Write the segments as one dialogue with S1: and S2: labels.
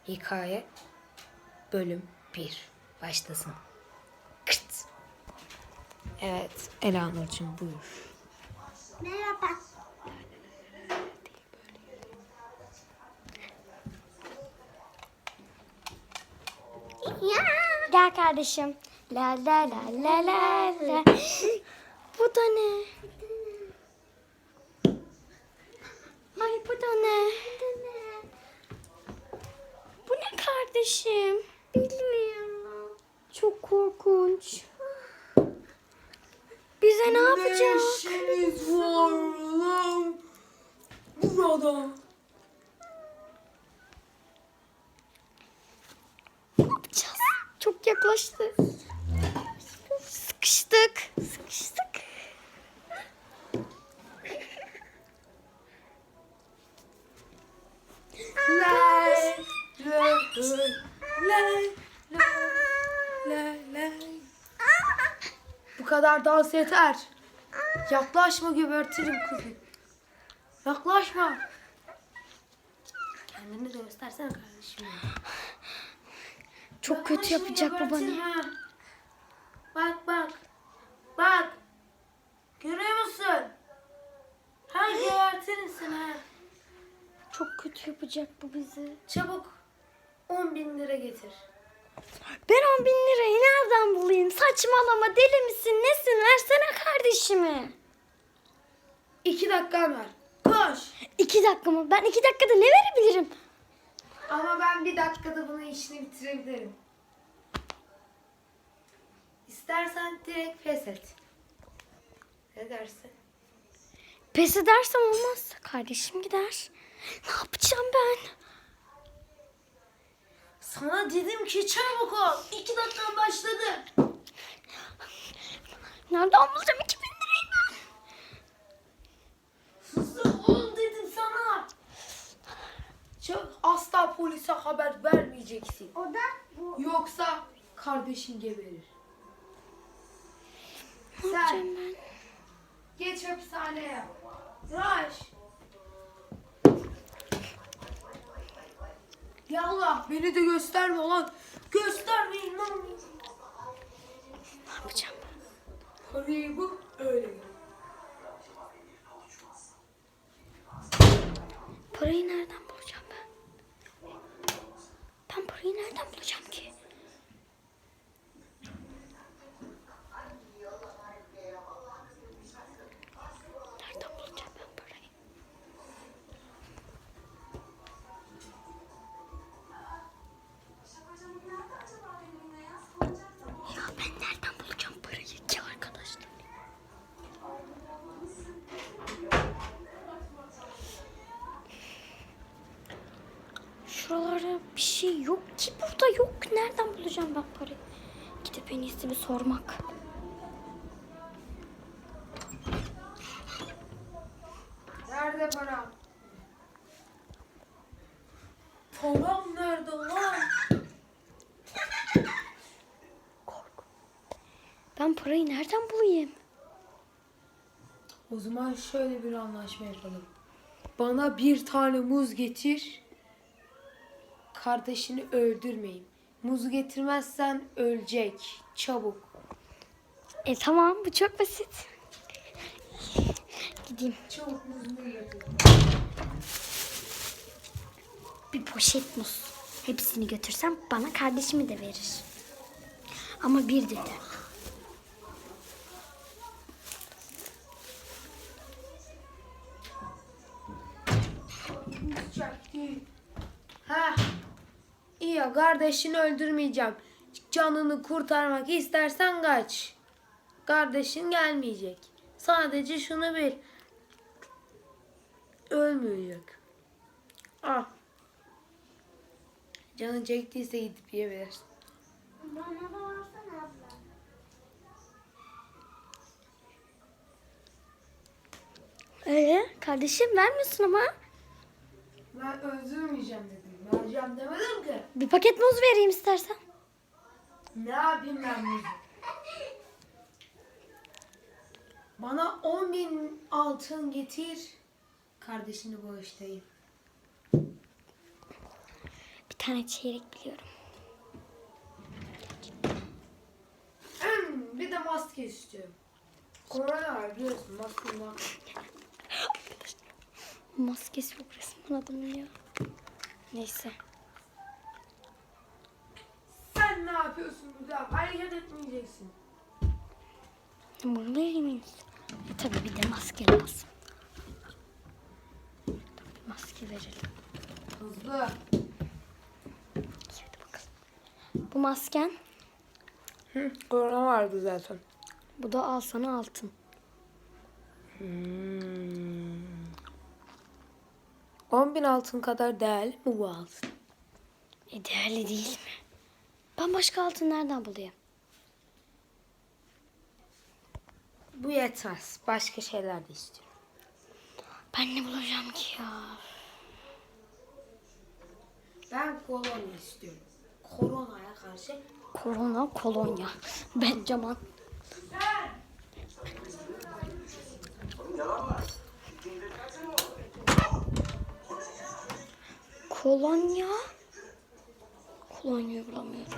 S1: Hikaye bölüm 1 başlasın. Kırt. Evet, Elanur'cum buyur.
S2: Merhaba. Ya. Gel kardeşim. La la la la la la. Bu da ne? Ay bu da ne? Bu ne kardeşim? Bilmiyorum. Çok korkunç. Bize ne yapacak?
S1: Ne işiniz var lan burada?
S2: Ne yapacağız? Çok yaklaştı. Sıkıştık.
S1: Lay, lay, lay, lay, lay. Bu kadar dans yeter. Yaklaşma, gebertirim kızı. Yaklaşma. Kendini de göstersene kardeşim.
S2: Çok kötü yapacak bu bana.
S1: gebertirim ha. Bak bak. Bak. Görüyor musun? Ha gebertirim seni ha.
S2: Çok kötü yapacak bu bizi.
S1: Çabuk 10.000 lira getir.
S2: Ben 10.000 lirayı nereden bulayım? Saçmalama, deli misin nesin? Versene kardeşimi.
S1: 2 dakikan var. Koş.
S2: 2 dakika mı? Ben 2 dakikada ne verebilirim?
S1: Ama ben 1 dakikada bunun işini bitirebilirim. İstersen direkt pes et. Ne dersin?
S2: Pes edersem olmaz. Kardeşim gider. Ne yapacağım ben?
S1: Sana dedim ki çabuk ol. 2 dakikan başladı.
S2: Nereden bulacağım 2.000 lirayı ben?
S1: Hızlı ol dedim sana. Çabuk, asla polise haber vermeyeceksin.
S2: O da bu.
S1: Yoksa kardeşin geberir.
S2: Ne yapacağım ben?
S1: Geç hapishaneye. Raş. Yallah beni de gösterme lan. Göstermeyin lan.
S2: Ne yapacağım ben?
S1: Parayı bu öyle.
S2: Parayı nereden bulacağım ben? Ben parayı nereden bulacağım ki? Nereden bulacağım ben parayı? Ya ben nereden bulacağım parayı ki arkadaşlar? Şuralarda bir şey yok ki, burada yok. Nereden bulacağım ben parayı? Gidip en iyisi bir sormak.
S1: Nerede param? Param nerede lan?
S2: Korku. Ben parayı nereden bulayım?
S1: O zaman şöyle bir anlaşma yapalım. Bana 1 tane muz getir. Kardeşini öldürmeyin. Muzu getirmezsen ölecek. Çabuk.
S2: Tamam, bu çok basit. Gideyim.
S1: Çabuk muzunu getir.
S2: Bir poşet muz. Hepsini götürsem bana kardeşimi de verir. Ama bir dedi.
S1: Ha. İyi ya, kardeşini öldürmeyeceğim. Canını kurtarmak istersen kaç. Kardeşin gelmeyecek. Sadece şunu bil. Ölmeyecek. Ah. Canın çektiyse gidip yiyebilirsin.
S2: Bana da versene abla. Kardeşim vermiyorsun ama.
S1: Ben öldürmeyeceğim dedim. Vereceğim demedim ki.
S2: Bir paket muz vereyim istersen.
S1: Ne yapayım ben bunu? Bana 10.000 altın getir. Kardeşini bağışlayayım.
S2: Bir tane çeyrek biliyorum.
S1: Bir de maske istiyorum. Korona var biliyorsun. Maskem var.
S2: Maskesi yok resmen adamın ya. Neyse.
S1: Sen ne yapıyorsun burada? Hareket etmeyeceksin.
S2: Buradayım mıyız? Tabii bir de maske lazım. Bir maske verelim.
S1: Hızlı.
S2: Hadi bakalım. Bu masken.
S1: Korona vardı zaten.
S2: Bu da al sana altın.
S1: 10.000 altın kadar değerli mi bu altın?
S2: Değerli değil mi? Ben başka altın nereden bulayım?
S1: Bu yetmez. Başka şeyler de istiyorum.
S2: Ben ne bulacağım ki ya?
S1: Ben kolonya istiyorum. Koronaya karşı.
S2: Korona kolonya. Benjamin. Kolonya. Kolonya bulamıyorum.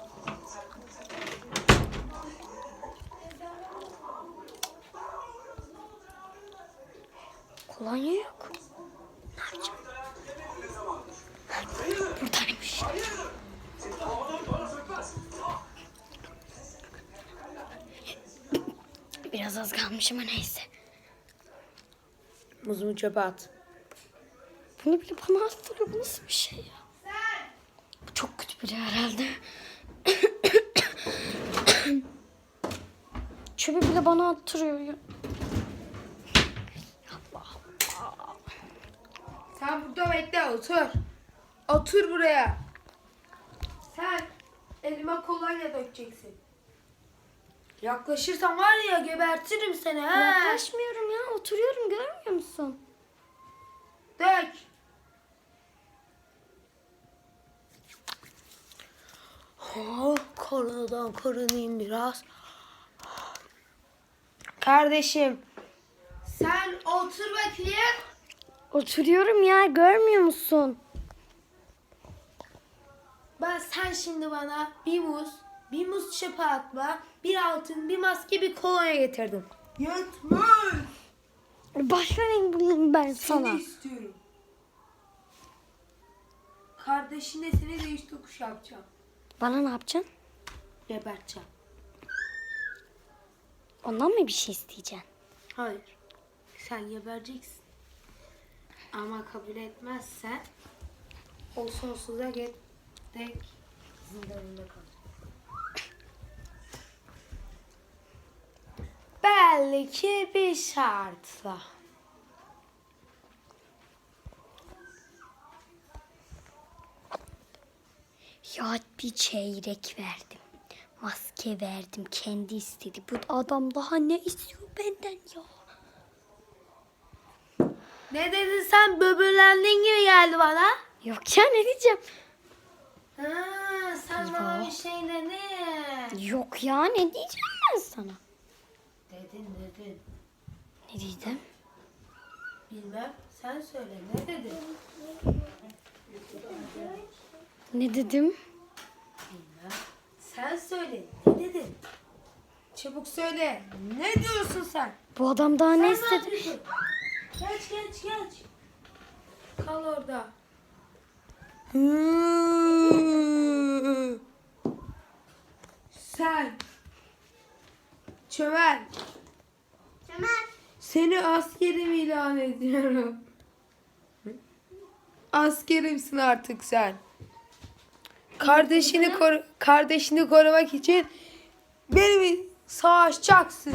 S2: Kolonya yok. Ne yapacağım? Buradaymış. Biraz az kalmış ama neyse.
S1: Muzumu çöpe at.
S2: Bunu bile bana attırıyor. Bu nasıl bir şey ya? Bu çok kötü biri herhalde. Çöpü bile bana attırıyor ya. Allah Allah.
S1: Sen burada bekle, otur. Otur buraya. Sen elime kolonya dökeceksin. Yaklaşırsan var ya gebertirim seni ha.
S2: Yaklaşmıyorum ya. Oturuyorum, görmüyor musun?
S1: Dök. Oh, koronadan korunayım biraz. Kardeşim. Sen otur bakayım.
S2: Oturuyorum ya, görmüyor musun?
S1: Sen şimdi bana bir muz çöpe atma, bir altın, bir maske, bir kolonya getirdim. Yetmez.
S2: Başka renk bulayım ben sana.
S1: Seni istiyorum. Kardeşine seni değiş tokuş yapacağım.
S2: Bana ne yapacaksın?
S1: Geberteceğim.
S2: Ondan mı bir şey isteyeceksin?
S1: Hayır. Sen gebereceksin. Ama kabul etmezsen o sonsuza dek zindanında kalacak. Belki bir şartla.
S2: Ya bir çeyrek verdim. Maske verdim. Kendi istedi. Bu adam daha ne istiyor benden ya?
S1: Ne dedin sen? Böbürlendin gibi geldi bana.
S2: Yok ya, ne diyeceğim?
S1: Ha, sen bana bir şey dedin.
S2: Yok ya, ne diyeceğim ben sana?
S1: Dedin.
S2: Ne diyeceğim?
S1: Bilmem. Sen söyle. Ne dedin?
S2: Ne dedim?
S1: Bilmem. Sen söyle. Ne dedin? Çabuk söyle. Ne diyorsun sen?
S2: Bu adam daha ne
S1: Sen
S2: istedi?
S1: yapıyorsun? Geç. Kal orada. Sen. Çömel. Seni askerim ilan ediyorum. Askerimsin artık sen. Kardeşini korumak için benimle savaşacaksın.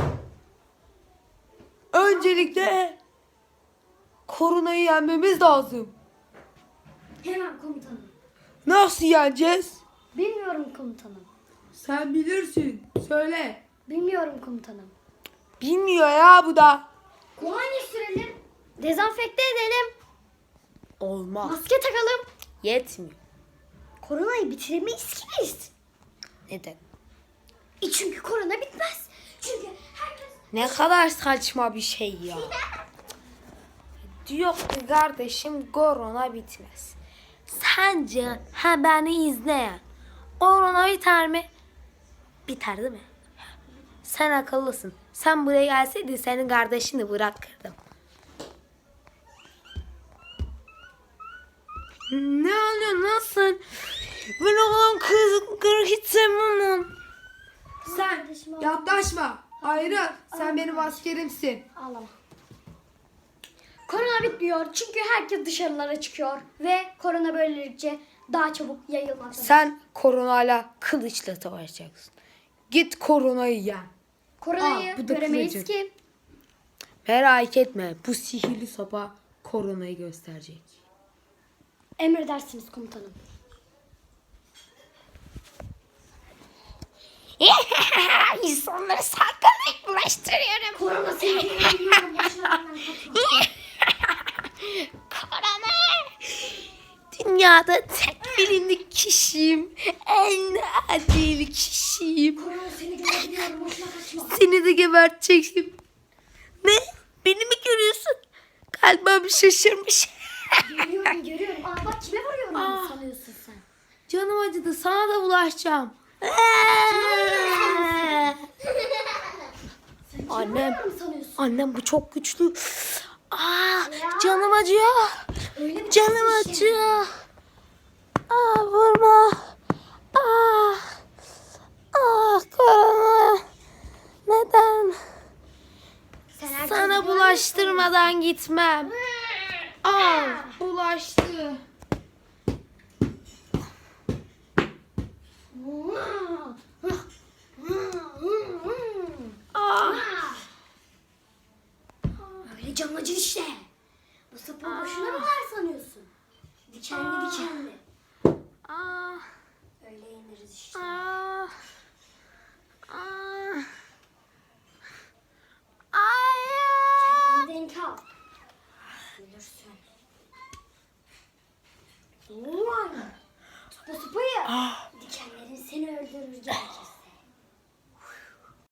S1: Öncelikle koronayı yenmemiz lazım.
S2: Hemen komutanım.
S1: Nasıl yeneceğiz?
S2: Bilmiyorum komutanım.
S1: Sen bilirsin. Söyle.
S2: Bilmiyorum komutanım.
S1: Bilmiyor ya bu da.
S2: Kolonya sürelim. Dezenfekte edelim.
S1: Olmaz.
S2: Maske takalım.
S1: Yetmiyor.
S2: Koronayı bitiremeyiz ki biz.
S1: Neden?
S2: Çünkü korona bitmez. Çünkü herkes...
S1: Ne kadar saçma bir şey ya. Diyor ki kardeşim korona bitmez. Sence beni izleyen korona biter mi? Biter değil mi? Sen akıllısın. Sen buraya gelseydin senin kardeşini bırakırdım. Ne oluyor? Nasıl? Ben olan kızı hiç sevmem. Sen yaklaşma. Ayrıl. Sen benim askerimsin.
S2: Ağlama. Korona bitmiyor çünkü herkes dışarılara çıkıyor ve korona böylelikle daha çabuk yayılmaktadır.
S1: Sen koronayla kılıçla savaşacaksın. Git koronayı yen.
S2: Koronayı
S1: bu da
S2: göremeyiz
S1: kılıcı.
S2: ki.
S1: Merak etme. Bu sihirli sopa koronayı gösterecek.
S2: Emredersiniz komutanım.
S1: İnsanları salgınlık bulaştırıyorum.
S2: Korona seni bilmiyorum. Boşuna benden kaçma.
S1: Korona. Dünyada tek bilindik kişiyim. En adil kişiyim.
S2: Korona seni görebiliyorum. Boşuna kaçma.
S1: Seni de gebertecektim. Ne? Beni mi görüyorsun? Kalbim şaşırmış.
S2: Görüyorum. Aa bak kime vuruyorum sanıyorsun sen?
S1: Canım acıdı. Sana da bulaşacağım. Annem.
S2: Sanıyorsun?
S1: Annem bu çok güçlü. Canım acıyor.
S2: Öyle mi?
S1: Canım acıyor. Vurma. Korona. Neden? Sana bulaştırmadan gitmem. Bulaştı.
S2: Öyle canlıcı işte. Bu sapı boşuna mı var sanıyorsun? Dikenli dikenli. Öyle ineriz işte. Kendini denk al. Ölürsün. Ulan. Tut bu sapıyı.